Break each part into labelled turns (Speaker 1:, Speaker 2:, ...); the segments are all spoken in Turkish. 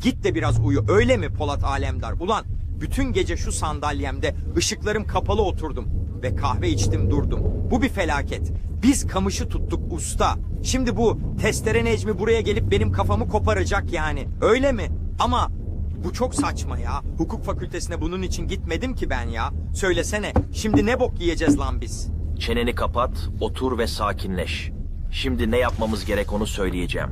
Speaker 1: Git de biraz uyu. Öyle mi Polat Alemdar? Ulan bütün gece şu sandalyemde ışıklarım kapalı oturdum ve kahve içtim durdum. Bu bir felaket. Biz kamışı tuttuk usta. Şimdi bu testere Necmi buraya gelip benim kafamı koparacak yani. Öyle mi? Ama bu çok saçma ya. Hukuk fakültesine bunun için gitmedim ki ben ya. Söylesene, şimdi ne bok yiyeceğiz lan biz?
Speaker 2: Çeneni kapat, otur ve sakinleş. Şimdi ne yapmamız gerek onu söyleyeceğim.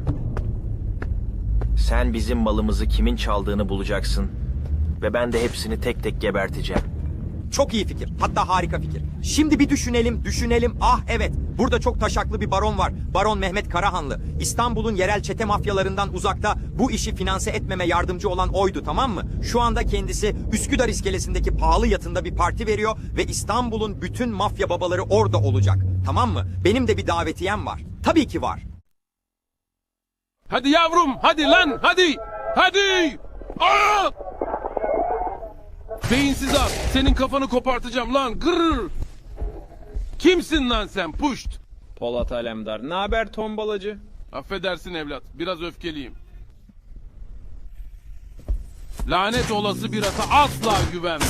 Speaker 2: Sen bizim malımızı kimin çaldığını bulacaksın ve ben de hepsini tek tek geberteceğim.
Speaker 1: Çok iyi fikir. Hatta harika fikir. Şimdi bir düşünelim. Ah evet, burada çok taşaklı bir baron var. Baron Mehmet Karahanlı. İstanbul'un yerel çete mafyalarından uzakta bu işi finanse etmeme yardımcı olan oydu, tamam mı? Şu anda kendisi Üsküdar iskelesindeki pahalı yatında bir parti veriyor ve İstanbul'un bütün mafya babaları orada olacak. Tamam mı? Benim de bir davetiyem var. Tabii ki var.
Speaker 3: Hadi yavrum, hadi lan, hadi! Hadi! Aa! Beyinsiz at, senin kafanı kopartacağım lan, gırr! Kimsin lan sen, puşt?
Speaker 4: Polat Alemdar. Ne haber tombalacı?
Speaker 3: Affedersin evlat, biraz öfkeliyim. Lanet olası bir ata asla güvenme.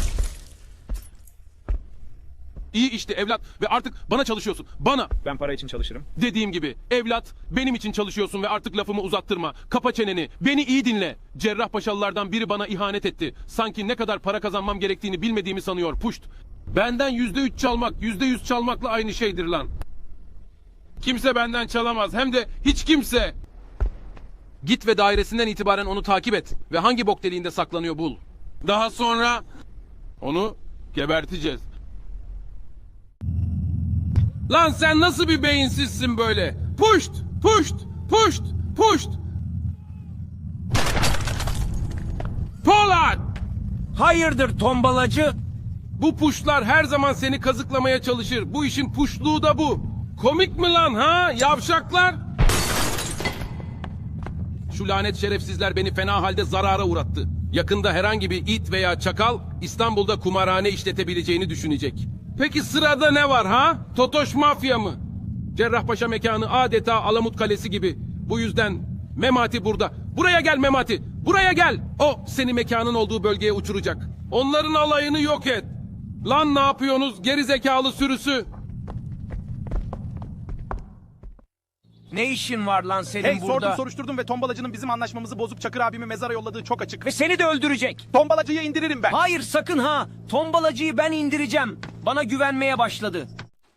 Speaker 3: İyi işte evlat ve artık bana çalışıyorsun, bana.
Speaker 4: Ben para için çalışırım.
Speaker 3: Dediğim gibi evlat benim için çalışıyorsun ve artık lafımı uzattırma. Kapa çeneni, beni iyi dinle. Cerrahpaşalılardan biri bana ihanet etti. Sanki ne kadar para kazanmam gerektiğini bilmediğimi sanıyor, puşt. Benden %3 çalmak, %100 çalmakla aynı şeydir lan. Kimse benden çalamaz, hem de hiç kimse. Git ve dairesinden itibaren onu takip et ve hangi bok deliğinde saklanıyor bul. Daha sonra onu geberteceğiz. Lan sen nasıl bir beyinsizsin böyle? Puşt, puşt, puşt, puşt. Polat!
Speaker 5: Hayırdır tombalacı?
Speaker 3: Bu puşlar her zaman seni kazıklamaya çalışır. Bu işin puşluğu da bu. Komik mi lan ha yavşaklar? Şu lanet şerefsizler beni fena halde zarara uğrattı. Yakında herhangi bir it veya çakal İstanbul'da kumarhane işletebileceğini düşünecek. Peki sırada ne var ha? Totoş mafya mı? Cerrahpaşa mekanı adeta Alamut Kalesi gibi. Bu yüzden Memati burada. Buraya gel Memati. Buraya gel. O seni mekanın olduğu bölgeye uçuracak. Onların alayını yok et. Lan ne yapıyorsunuz geri zekalı sürüsü?
Speaker 5: Ne işin var lan senin burada?
Speaker 6: Sordum soruşturdum ve tombalacının bizim anlaşmamızı bozup Çakır abimi mezara yolladığı çok açık.
Speaker 5: Ve seni de öldürecek.
Speaker 6: Tombalacıyı indiririm ben.
Speaker 5: Hayır sakın ha. Tombalacıyı ben indireceğim. Bana güvenmeye başladı.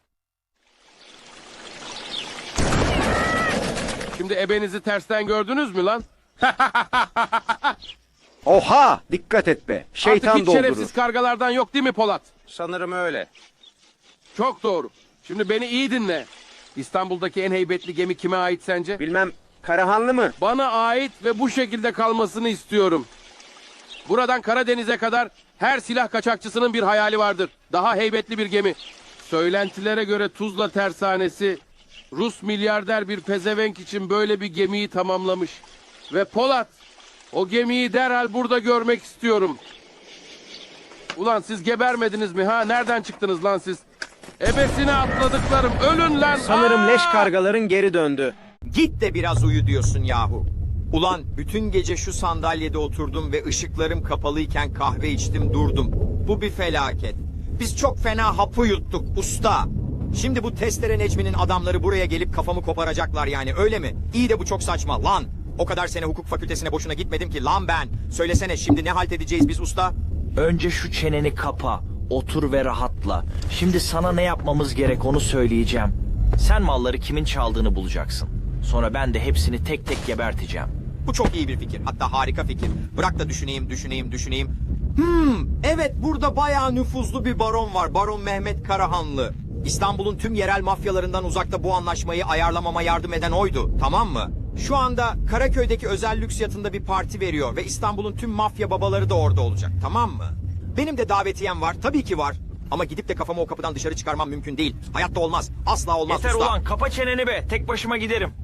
Speaker 3: Şimdi ebenizi tersten gördünüz mü lan?
Speaker 7: Oha! Dikkat et be. Şeytan
Speaker 3: Artık hiç
Speaker 7: doldurur.
Speaker 3: şerefsiz kargalardan yok değil mi Polat?
Speaker 7: Sanırım öyle.
Speaker 3: Çok doğru. Şimdi beni iyi dinle. İstanbul'daki en heybetli gemi kime ait sence?
Speaker 7: Bilmem, Karahanlı mı?
Speaker 3: Bana ait ve bu şekilde kalmasını istiyorum. Buradan Karadeniz'e kadar her silah kaçakçısının bir hayali vardır. Daha heybetli bir gemi. Söylentilere göre Tuzla tersanesi Rus milyarder bir pezevenk için böyle bir gemiyi tamamlamış. Ve Polat, o gemiyi derhal burada görmek istiyorum. Ulan siz gebermediniz mi ha? Nereden çıktınız lan siz? Ebesine atladıklarım, ölün lan!
Speaker 7: Sanırım leş kargaların geri döndü.
Speaker 1: Git de biraz uyu diyorsun yahu. Ulan bütün gece şu sandalyede oturdum ve ışıklarım kapalıyken kahve içtim durdum. Bu bir felaket. Biz çok fena hapı yuttuk usta. Şimdi bu testere Necmi'nin adamları buraya gelip kafamı koparacaklar yani, öyle mi? İyi de bu çok saçma lan. O kadar sene hukuk fakültesine boşuna gitmedim ki lan ben. Söylesene şimdi ne halt edeceğiz biz usta?
Speaker 2: Önce şu çeneni kapa, otur ve rahatla. Şimdi sana ne yapmamız gerek onu söyleyeceğim. Sen malları kimin çaldığını bulacaksın. Sonra ben de hepsini tek tek geberteceğim.
Speaker 1: Bu çok iyi bir fikir. Hatta harika fikir. Bırak da düşüneyim. Evet, burada bayağı nüfuzlu bir baron var. Baron Mehmet Karahanlı. İstanbul'un tüm yerel mafyalarından uzakta bu anlaşmayı ayarlamama yardım eden oydu. Tamam mı? Şu anda Karaköy'deki özel lüks yatında bir parti veriyor ve İstanbul'un tüm mafya babaları da orada olacak. Tamam mı? Benim de davetiyem var. Tabii ki var. Ama gidip de kafamı o kapıdan dışarı çıkarmam mümkün değil. Hayatta olmaz. Asla olmaz
Speaker 2: Yeter
Speaker 1: usta.
Speaker 2: ulan, kapa çeneni be. Tek başıma giderim.